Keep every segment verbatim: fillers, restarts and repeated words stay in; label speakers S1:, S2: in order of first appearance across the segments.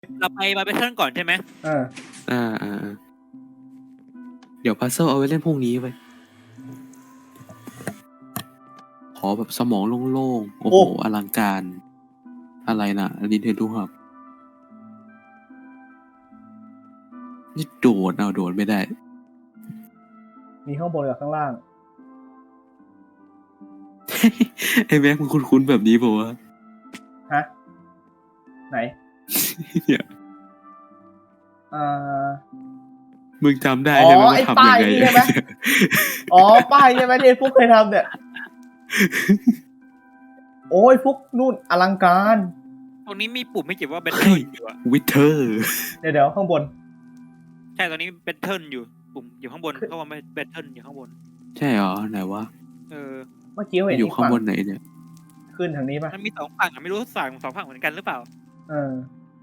S1: เราไปมาเป็นเพื่อนก่อนใช่ไหม
S2: เออ
S3: อ่าอ่าเดี๋ยวพัซเซิลเอาไว้เล่นพรุ่งนี้ไปขอแบบสมองโล่งๆโอ้โหอลังการอะไรนะลินเทนดูครับนี่โดดเอาโดดไม่ได้
S2: มีข้างบนกับข้างล่าง
S3: ไอ้แม็กมันคุ้นๆแบบนี้ป่าวะ
S2: ฮะ ไหน
S3: เนี่ย
S2: อ่า
S3: มึงจำได้
S2: อ๋อ
S3: ใช่ไหมว่า
S2: ไอ้
S3: ทำยังไง
S2: ป้ายนี่ใช่ไหม อ๋อ ป้ายใช่ไหมที่ฟุกเคยทำเนี่ย โอ้ยฟุกนู่นอลังการ
S1: ตรงนี้มีปุ่มไม่เกี่ยวว่าเบทเทิลอยู่อะ
S3: วิเทอร์
S2: เดี๋ยวเดี๋ยวข้างบน
S1: ใช่ตอนนี้เบทเทิลอยู่ปุ่มอยู่ข้างบนเขาว่าเบทเทิลอยู่ข้างบน
S3: ใช่เหรอไหนวะ
S1: เออ
S2: เมื่อกี้เห็น
S3: อยู่
S2: อีก
S3: ข้าง
S2: ฝั่ง
S3: บนไหนเนี่ย
S2: ขึ้นทางนี้ป่ะ
S1: มันมีสองฝั่งอะไม่รู้ฝั่งสองฝั่งเหมือนกันหรือเปล่า
S2: เออ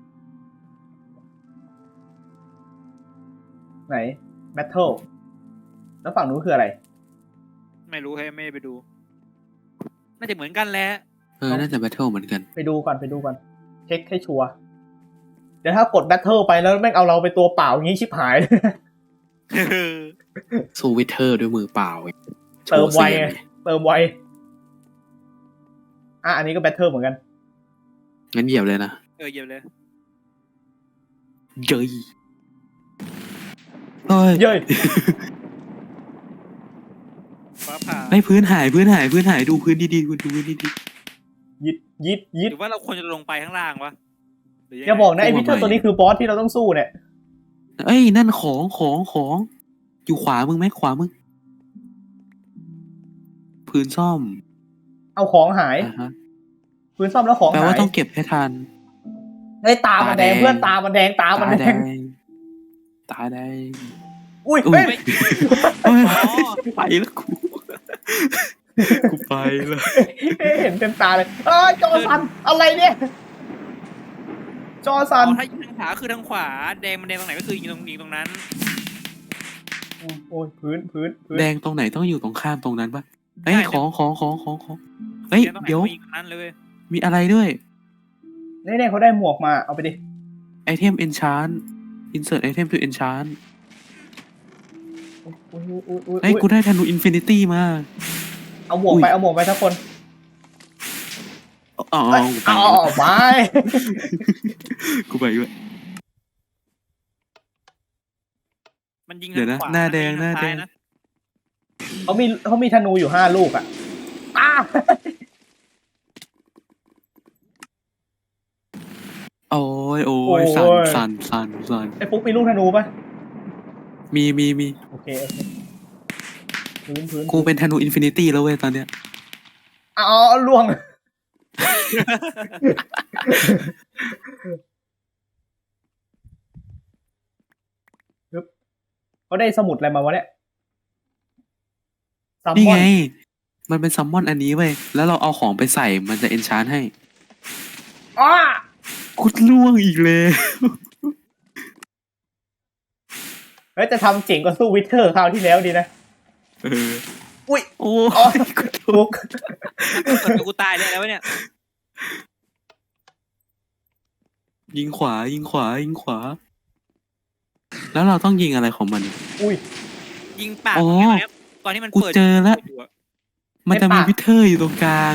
S2: ไหน แบทเทิล แล้วฝั่งนู้นคืออะไร
S1: ไม่รู้ให้ไม่ได้ไปดู น่าจะเหมือนกันแหละ
S3: เออน่าจะแบทเทิลเหมือนกัน
S2: ไปดูก่อนไปดูก่อน เช็คให้ชัวร์ เดี๋ยวถ้ากดแบทเทิลไปแล้วแม่งเอาเราไปตัวเปล่าอย่างนี้ชิบหาย
S3: สู้วิเทอร์ด้วยมือเปล่า
S2: เติมไว
S3: โชสียง
S2: ไง เติมไว อ่ะอันนี้ก็แบทเทิลเหมือนกัน
S3: งั้นเหยียบเลยนะ
S1: เออเยี่ยมเลย
S3: เย้ยเฮ้ย
S2: เย้ย
S1: ฟ้าผ่า
S3: ไม่พื้นหายพื้นหายพื้นหายดูพื้นดีๆคุณดูพื้นดี
S2: ยิดยิดยิด
S1: หรือว่าเราควรจะลงไปข้างล่างวะหรืยังไง
S2: อย่าบอกนะไอ้พิเทอร์ตัวนี้คือบอสที่เราต้องสู้เนี่ย
S3: ๆเอ้ยนั่นของของของอยู่ขวามึงไหมขวามึงพื้นซ่อม
S2: เอาของหาย
S3: อ่าฮะ
S2: พื้นซ่อมแล้วของ
S3: แปล
S2: หา
S3: ว่าย ต้องเก็บให้ทัน
S2: ไอ้ยตามันแดง
S3: ตาแดง
S2: เพื่อนตามันแดงตามัน
S3: ตา
S2: แด
S3: แด
S2: ง
S3: งตาแดง
S2: อุ้ย
S3: อุ้
S2: เฮ้
S3: ย
S2: ย
S3: เฮ้ย
S1: อ๋อ
S3: ไปแล้วกูกูไปแล้ว
S2: เห็นเต็มตาเลยเอ้ยจอสันอะไรเนี่ย จอสัน
S1: อ๋อถ้ายิงทางขวาคือทางขวาแดงมันแดงตรงไหนก็คือยิงตรงยิงตรงนั้น
S2: โอ้ยพื้นพื้นพื้น
S3: แดงตรงไหนต้องอยู่ตรงข้ามตรงนั้นปะเฮ้ย
S1: ใช่
S3: ของของของของของเฮ้ย
S1: แดงตรงไหน
S3: เดี๋ยว
S1: ก็ยิงตรงนั้นเลยเว้ย
S3: มีอะไรด้วย
S2: นี่เนี่ยเขาได้หมวกมาเอาไปดิ
S3: ไอเทม enchant insert item to enchant
S2: อุ้ยอุ้ยอุ้ยอุ้ย
S3: เฮ้ยกูได้ธนู infinity มา
S2: เอาหมวกไปเอาหมวกไปทุกคน
S3: อ๋อ
S2: เอ้ย
S3: กูไป
S2: เอาเอาไป
S3: กูไปด้วย
S1: มันยิง
S3: เดี๋ยว
S1: ทา
S3: นะ
S1: งขวา
S3: หน้าแดง
S1: มัยิ
S3: หน้า
S1: ทซ้ย
S3: แดง
S1: ะ
S2: เขามีเขามีธนูอยู่ห้าลูกอ่ะอ้า
S3: โอ้ยโอ้ยสันสันสันสัน
S2: ไอ้ปุ๊กมีลูกธนูปะ
S3: มีมีมี
S2: โอเคโอเคพื้นพื้น
S3: กูเป็นธนู infinity แล้วเว้ยตอนเนี้ย
S2: เอาเอาเอาล่วง ปึ๊บเขาได้สมุดอะไรมาวะเนี่ยซัม
S3: นี่
S2: มอ
S3: ไง
S2: น
S3: มันเป็นซัมมอนอันนี้เว้ยแล้วเราเอาของไปใส่มันจะ enchant ให้
S2: อ้า
S3: กูล่วงอีกเลย
S2: เฮ้ยจะทำเจ๋งกว่าสู้วิเทอร์คราวที่แล้วดีนะ
S3: เออ
S2: อุ้ย
S3: โอ้
S2: อ๋อย ปุ๊ก
S1: เกิดกูตายเลยแล้ววะเนี่ย
S3: ยิงขวายิงขวายิงขวา แล้วเราต้องยิงอะไรของมัน
S2: อุ้ย
S1: ยิงปาก
S3: อ๋อ
S1: ตรงนี้ไหมครับตอนที่มัน
S3: กู
S1: เปิด
S3: เจอแล้ว
S1: ยู่อะ
S3: มันจะ
S2: ใน
S3: มี
S2: ปาก
S3: วิเทอร์อยู่ตรงกลาง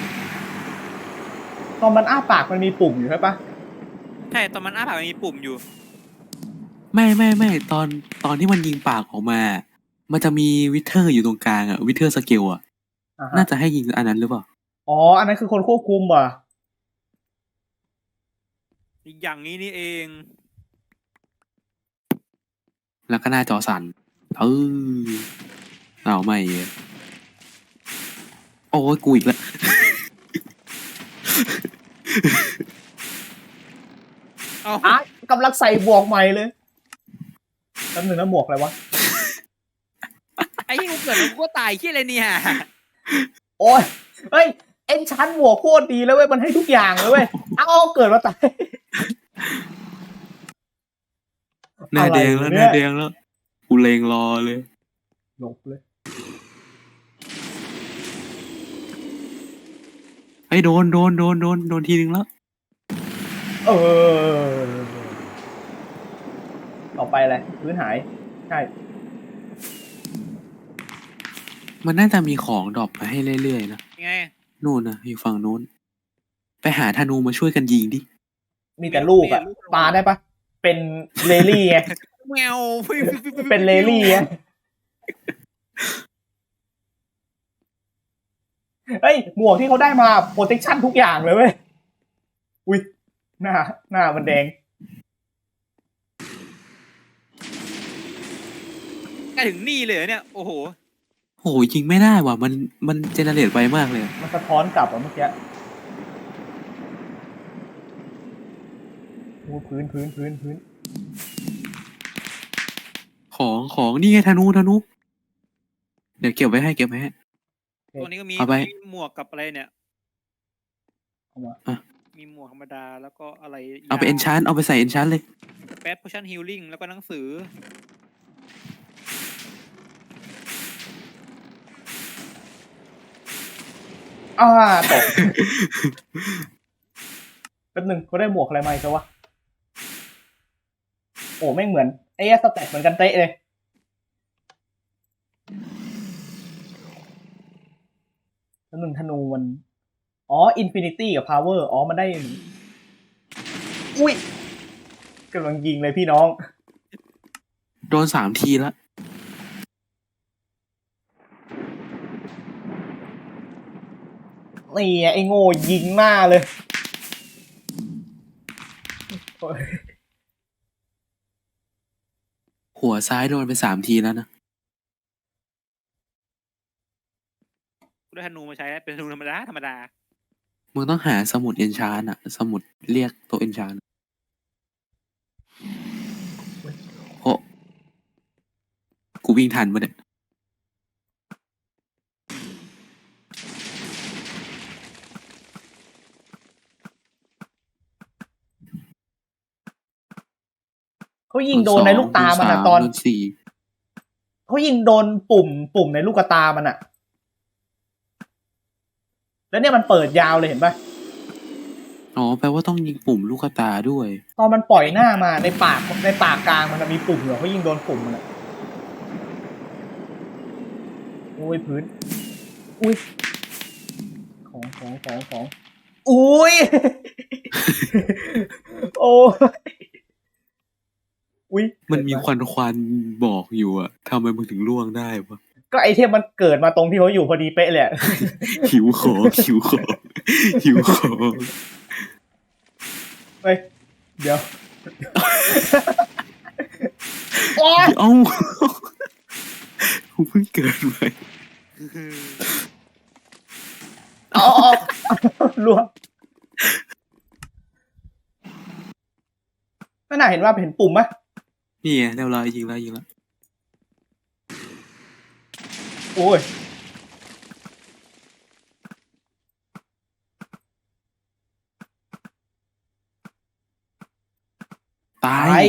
S2: ตอนมันอ้าปากมันมีปุ่มอยู่ใช่ปะ
S1: ใช่ตอนมันอ้าปากมันมีปุ่มอยู่
S3: ไม่ไม่ไม่ตอนตอนที่มันยิงปากออกมา มันจะมีวิเทอร์อยู่ตรงกลางอะวิเทอร์สเกลอะ
S2: อ่า
S3: น่า
S2: ฮะ
S3: จะให้ยิงอันนั้นหรือเปล่า
S2: อ๋ออันนั้นคือคนควบคุมว่ะ
S1: อย่างนี้นี่เอง
S3: แล้วก็หน้าจอสั่นเออเอาไม่เยอะโอ้ยกูอีกแล้ว
S1: เอา
S2: อ่ะกำลังใส่บวกใหม่เลยแป๊บหนึงนะหมวกอะไรวะ
S1: ไอ้ที่กูเกิดแล้วกูก็ตายขี้อะไรเนี่ย
S2: โอ้ยเฮ้ยเอ็นชั้นหมวกโคตรดีแล้วเว้ยมันให้ทุกอย่างเลยเว้ยเอาเกิดมาตาย
S3: หน้าแดงแล้ว
S2: อะไร
S3: ห
S2: เนี่ย
S3: น้าแดงแล้วกูเลงรอเลย
S2: หลบเลย
S3: ไอ้ยโดนโดนโดนโดนโดนทีนึงแล้ว
S2: เออไปอะไรพื้นหายใช่
S3: มันน่าจะมีของดรอปมาให้เรื่อยๆนะ
S1: ยังไง
S3: นู่นนะอยู่ฝั่งนู้น ไปหาธนูมาช่วยกันยิงดิ
S2: มีแต่ลูกอะปาได้ปะเป็นเลลี่ไง
S1: แมว
S2: เป็นเลลี่ไงเฮ้ยหมวกที่เขาได้มาโปรเทคชั่นทุกอย่างเลยเว้ยอุ้ยหน้าหน้ามันแดง
S1: ใกล้ถึงนี่เลยเหรอเนี่ยโอ้โห
S3: โหยิงไม่ได้ว่ะ มันมันเจเนเรตไวมากเลย
S2: มันสะท้อนกลับอะเมื่อกี้โอ้พื้นพื้นพื้นพื้น
S3: ของของนี่ไงธนูธนู เดี๋ยวเก็บไว้ให้เก็บไว้ให้
S1: ตัวนี้ก็มี
S3: เอาไป
S1: มีหมวกกับอะไรเนี่ย
S2: เอามา
S3: อ่ะ
S1: มีหมวกธรรมดาแล้วก็อะไร
S3: เอาไปเอนชานเอาไปใส่เอนชานเลย
S1: แปด potion healing แล้วก็หนังสือ
S2: อ่าตก แป๊บหนึงเขาได้หมวกอะไรมาอีกแล้ววะโอ้แม่งเหมือนไอ้สแต็กเหมือนกันเตะเลยแป๊บหนึงธนูมันอ๋ออินฟินิตี้กับพาวเวอร์อ๋อมันได้อุ้ยกำลังยิงเลยพี่น้อง
S3: โดนสามทีแล้ว
S2: นี่ไงไอ้โง่ยิงหน้าเลยโอ้ย
S3: หัวซ้ายโดนไปสามทีแล้วนะ
S1: กูได้ธนูมาใช้เป็นธนูธรรมดาธรรมดา
S3: มึงต้องหาสมุดเอนชานอะสมุดเรียกตัวเอนชานโอ้กูวิ่งทันปะเนี่ย
S2: เขายิงโดนในลูกตามันอะตอน
S3: โดนสี่
S2: เขายิงโดนปุ่มปุ่มในลูกตามันอะแล้วเนี่ยมันเปิดยาวเลยเห็นปะ
S3: อ๋อแปลว่าต้องยิงปุ่มลูกตาด้วย
S2: ตอนมันปล่อยหน้ามาในปากในปากกลางมันมีปุ่มเหรอเขายิงโดนปุ่มมันอะโอ้ยพื้นอุ้ยของของของของอุ้ย โอ้ยอุ้ย
S3: มันมีควันควันบอกอยู่อะทำไมมึงถึงล่วงได้วะ
S2: ก็ไอเทมมันเกิดมาตรงที่เขาอยู่พอดีเป๊ะเลยอะ
S3: หิวของหิวของหิวของ
S2: เฮ้ยเดี๋ยว โอ้ย
S3: เอ้ากูเพิ่งเกิดใหม่
S2: อ๋อรวมไม่น่าเห็นว่าเห็นปุ่มปะ
S3: นี่ไงเรียบร้อยยิงแล้วยิงแล้ว
S2: โอ้ย
S3: ตา
S2: ตาย
S3: ย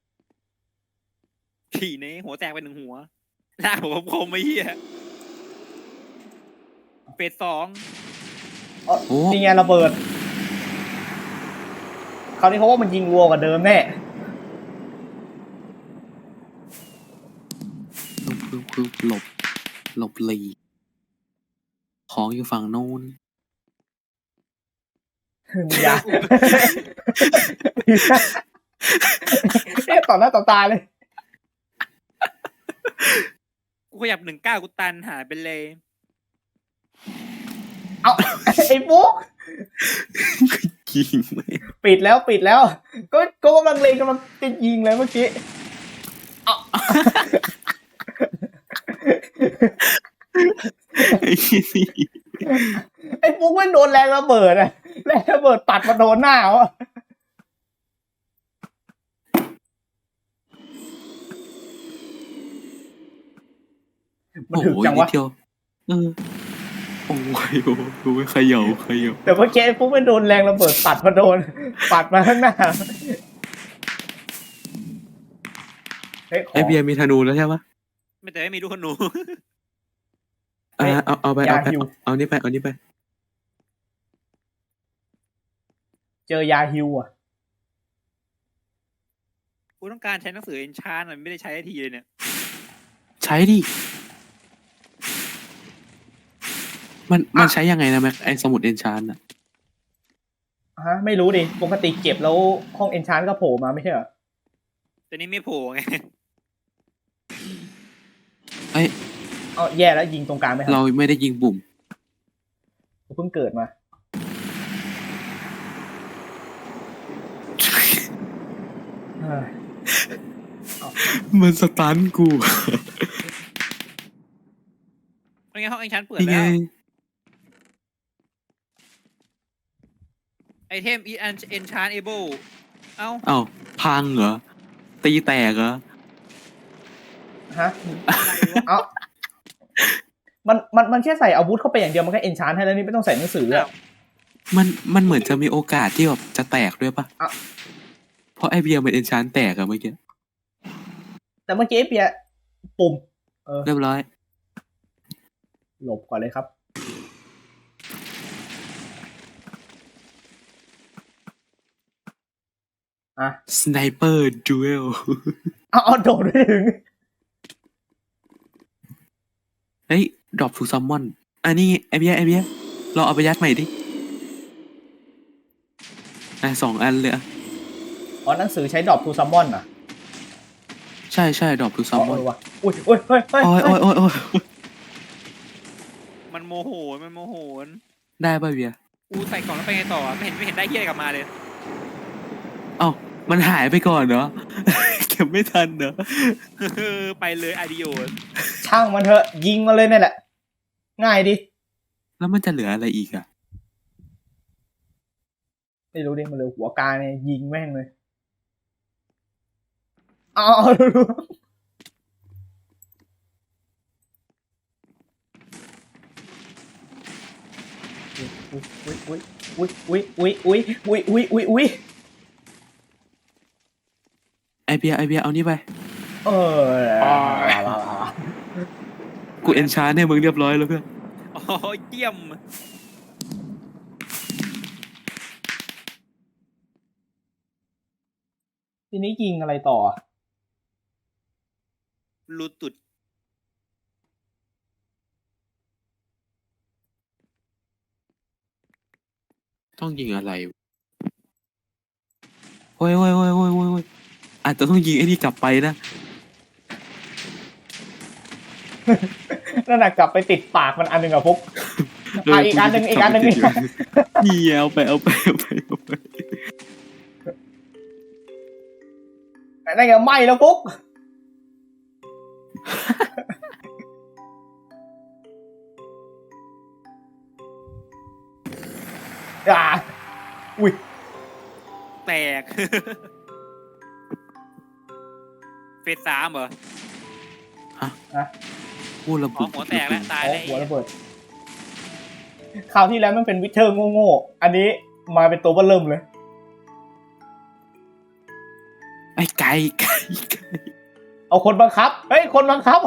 S1: ขี่เน้หัวแตกไปหนึ่งหัวหน้าผมคมไม่เหี้ยเฟสสอง
S2: อ๋อ
S3: โอ้
S2: นี่ไงระเบิดคราวนี้เขาว่ามันยิงวัวกว่าเดิมแน่
S3: คือคือคือหลบหลบหลีกของอยู่ฝั่งโน้น
S2: อย่า เอ๊ะต่อหน้าต่อตาเลย
S1: กูขยับหนึ่งเก้ากูตันหายไปเลย
S2: เอาไอ้ปุ๊ก
S3: ยิงไหม
S2: ปิดแล้วปิดแล้ว ก็ก็กำลังเลงกำลังจะยิงเลยเมื่อกี้เอา
S3: ไอ้ที่นี่
S2: ไอ้ปุ๊กมันโดนแรงระเบิดอะแรงระเบิดปัดมาโดนหน้าเขาอะมัน
S3: โอ้
S2: ถึก
S3: โห
S2: จัง
S3: นิ
S2: วะ
S3: ดเดียวเออโอ้ยโอ้โหเขย่าเขย่า
S2: แต่เมื่อกี้ไอ้ปุ๊กมันโดนแรงระเบิดปัดมาโดน ปัดมาข้างหน้าเฮ้ยข
S3: ไอ
S2: อ
S3: เบียร์มีธนูแล้วใช่ปะ
S1: ไม่แต่ไม่มีลูกขนู
S3: อ่าเอาเอาไป
S2: ยา
S3: เอาไป
S2: ฮิว
S3: เอานี่ไปเอานี่ไป
S2: เจอยาฮิวอ่ะ
S1: กูต้องการใช้หนังสือเอนชานมันไม่ได้ใช้ทีเลยเนี่ย
S3: ใช้ดิ มันมันใช้ยังไงนะแม็กไอสมุดเอนชานอะ
S2: ฮะไม่รู้ดิปกติเก็บแล้วห้องเอนชานก็โผล่มาไม่ใช่เหรอ
S1: แต่นี้ไม่โผล่ไง
S3: เอ้ย
S2: เอาแย่แล้วยิงตรงกลางไม่ทัน
S3: เราไม่ได้ยิงปุ่ม
S2: กูเพิ่งเกิดมาเฮ้ย
S3: มันสตันกู
S1: เป็นไงห้องเอนชานเปิด
S3: นี่ไง
S1: แล้วไอเทมอีอันเอนชานเอเบิลเอ้า
S3: เอ้าพังเหรอ ตีแตกเหรอ
S2: ฮะ
S1: อะไรวะ
S2: เอามันมันมันแค่ใส่อาวุธเข้าไปอย่างเดียวมันก็เอนชานให้แล้วนี่ไม่ต้องใส่หนังสืออะ
S3: มันมันเหมือนจะมีโอกาสที่แบบจะแตกด้วยปะ
S2: อ่ะ
S3: เพราะไอเบียร์มันเอนชานแตกอะเมื่อกี้
S2: แต่เมื่อกี้เปียปุ่มเออ
S3: เรียบร้อย
S2: หลบก่อนเลยครับอ่ะ
S3: สไนเปอร์ดูเอล
S2: เอาเอาโดดไม่ถึง
S3: เฮ้ยดรอปทูซัมมอนอันนี้ไอเบียร์ไอเบียร์เราเอาไปยัดใหม่ดิอ่ะสองอันเลยอะ
S2: อ๋อหนังสือใช้ดรอปทูซัมมอนอ่ะ
S3: ใช่ใช่ดรอปทูซั
S2: อ๋
S3: ม
S2: อ
S3: มอน
S2: เออว่ะอุ้ยอุ้ยเฮ้ยเฮ้ย
S3: โอ้ยโอ้ยโอ้ยโอ้ย
S1: มันโมโหมันโมโห
S3: ได้ป่ะเบียร์
S1: กูใส่กล่องแล้วไปไงต่อไม่เห็นไม่เห็นได้เฮียอะไรกลับมาเลย
S3: เอ้ามันหายไปก่อนเนาะ เก็บไม่ทันเนาะ
S1: ไปเลยอาดิโอ
S2: ช่างมันเถอะยิงมาเลยนี่แหละ ง่ายดิ
S3: แล้วมันจะเหลืออะไรอีกอะ
S2: ไม่รู้ดิมันเลยหัวกาเนี่ยยิงแม่งเลยเอาเอาดูดูอุ้ยอุ้ยอุ้ยอุ้ยอุ้ยอุ้ยอุ้ยอุ้ยอุ้ยอุ้ย
S3: ไอเบียร์ไอเบียร์เอานี่ไป
S2: เออ
S3: กูเอนชานให้มึงเรียบร้อยแล้วเพื่อน
S1: อ๋อเยี่ยม
S2: ทีนี้ยิงอะไรต่อ
S1: รูตุด
S3: ต้องยิงอะไรโอ้ยโอ้ยโอ้ยโอ้ยโอ้ยโอ้ยอาจจะต้องยิงไอ้นี่กลับไปนะ
S2: นั่นน่ะกลับไปติดปากมันอันหนึ่งอะฟุก อ่ะอีกอันหนึ่งอีกอันหนึ่ง
S3: นี่เอาไปเอาไปเอาไปเอาไป
S2: นั่นไงไหม้แล้วฟุก อ่าอุ้ย
S1: แตก เฟสสามเหรอ
S3: พูดระ
S1: อ๋อ
S3: บุ
S1: หัวแตกแล้วตาย
S2: อ๋อ
S1: แล้ว
S2: หัวระเบิดคราวที่แล้วมันเป็นวิเทอร์โง่ๆอันนี้มาเป็นตัวเบ้อเริ่มเลย
S3: ไอ้ไก่ไก่ไก่
S2: เอาคนบังคับ เฮ้ย คนบังคับ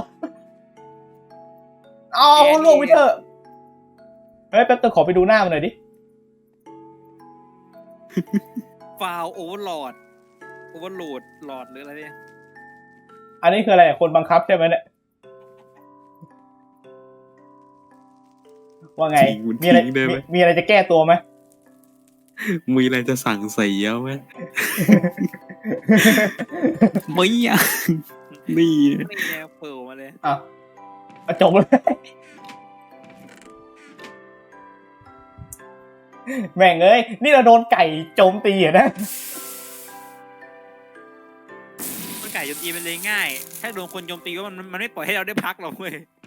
S2: เอาลูกวิเทอร์ เฮ้ยแป๊บเดียวขอไปดูหน้ามันหน่อยดิ
S1: ฟาวโอเวอร์โหลดโอเวอร์โหลดหลอดหรืออะไรเนี่ย
S2: อันนี้คืออะไร คนบังคับใช่ไหมเนี่ย ว่าไง มีอะไรมีมีอะไรจะแก้ตัวไหม
S3: มีอะไรจะสั่งเสียไหม ไม่อยากนี่
S1: นี่ไงเปิดมาเลย
S2: อ่ะเอาจบเลย แม่งเอ้ย นี่เราโดนไก่โจมตีเหรอนะ
S1: มันไก่โจมตีมันเลยง่าย ถ้าโดนคนโจมตีก็มันมันไม่ปล่อยให้เราได้พักหรอกเว้ย